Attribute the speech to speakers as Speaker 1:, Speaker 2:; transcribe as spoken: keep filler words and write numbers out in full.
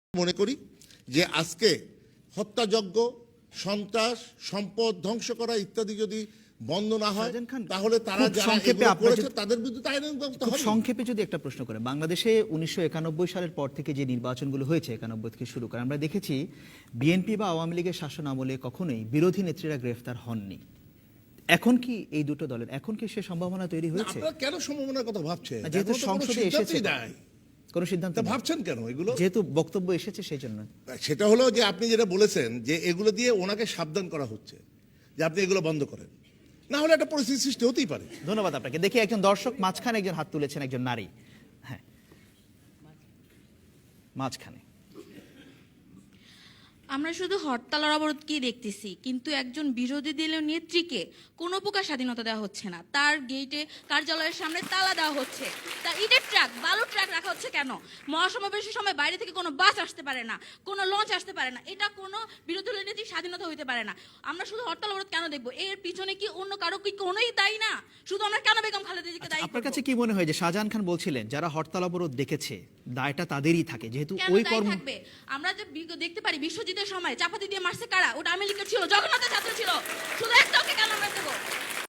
Speaker 1: মনে করি যে আজকে হত্যাযজ্ঞ, সন্ত্রাস, সম্পদ ধ্বংস করা ইত্যাদি যদি বন্ধ না হয় তাহলে তারা যারা এগুলো করেছে তাদের বিরুদ্ধে আইনানুগ ব্যবস্থা হবে।
Speaker 2: সংক্ষেপে যদি একটা প্রশ্ন করে, বাংলাদেশে উনিশশো একানব্বই সালের পর থেকে যে নির্বাচনগুলো হয়েছে, একানব্বই থেকে শুরু করে আমরা দেখেছি বিএনপি বা আওয়ামী লীগের শাসন আমলে কখনোই বিরোধী নেত্রীরা গ্রেফতার হননি। এখন কি এই দুটো দলের এখন কি সে সম্ভাবনা তৈরি হয়েছে?
Speaker 1: আপনারা কেন সম্ভাবনার কথা ভাবছেন?
Speaker 2: যেহেতু সংসদে এসেছে কোন সিদ্ধান্ত
Speaker 1: ভাবছেন কেন এগুলো?
Speaker 2: যেহেতু বক্তব্য এসেছে সেই জন্য।
Speaker 1: সেটা হলো যে আপনি যেটা বলেছেন যে এগুলো দিয়ে ওনাকে সাবধান করা হচ্ছে যে আপনি এগুলো বন্ধ করেন, না হলে একটা পরিস্থিতি সৃষ্টি হতেই পারে।
Speaker 2: ধন্যবাদ আপনাকে। দেখি একজন দর্শক মাঝখানে একজন হাত তুলেছেন, একজন নারী। হ্যাঁ, মাঝখানে।
Speaker 3: আমরা শুধু হরতাল আর অবরোধকেই দেখতেছি, কিন্তু একজন বিরোধী দলীয় নেত্রীকে কোনো প্রকার স্বাধীনতা দেওয়া হচ্ছে না। তার গেটে কার্যালয়ের সামনে তালা দেওয়া হচ্ছে, তার ইটের ট্রাক, বালুর ট্রাক রাখা হচ্ছে কেন? মহাসমাবেশের সময় বাইরে থেকে কোনো বাস আসতে পারে না, কোনো লঞ্চ আসতে পারে না। এটা কোনো বিরোধী দলীয় নেত্রীর স্বাধীনতা হইতে পারে না। আমরা শুধু হরতাল অবরোধ কেন দেখবো? এর পিছনে কি অন্য কারো কি কোনোই দায়ী না? শুধু আমরা কেন বেগম খালেদা জিয়াকে দায়ী করব?
Speaker 2: আপনার কাছে কি মনে হয় যে শাহজাহান খান বলছিলেন যারা হরতাল অবরোধ দেখেছে দায়টা তাদেরই থাকে, যেহেতু ওই কর্ম
Speaker 3: থাকবে? আমরা যে দেখতে পারি বিশ্বজিতের সময় চাপাতি দিয়ে মারছে কারা? ওটা আওয়ামী লীগের ছিল, জগন্নাথের ছাত্র ছিল। শুধু একটা ওকে কেন আমরা দেবো?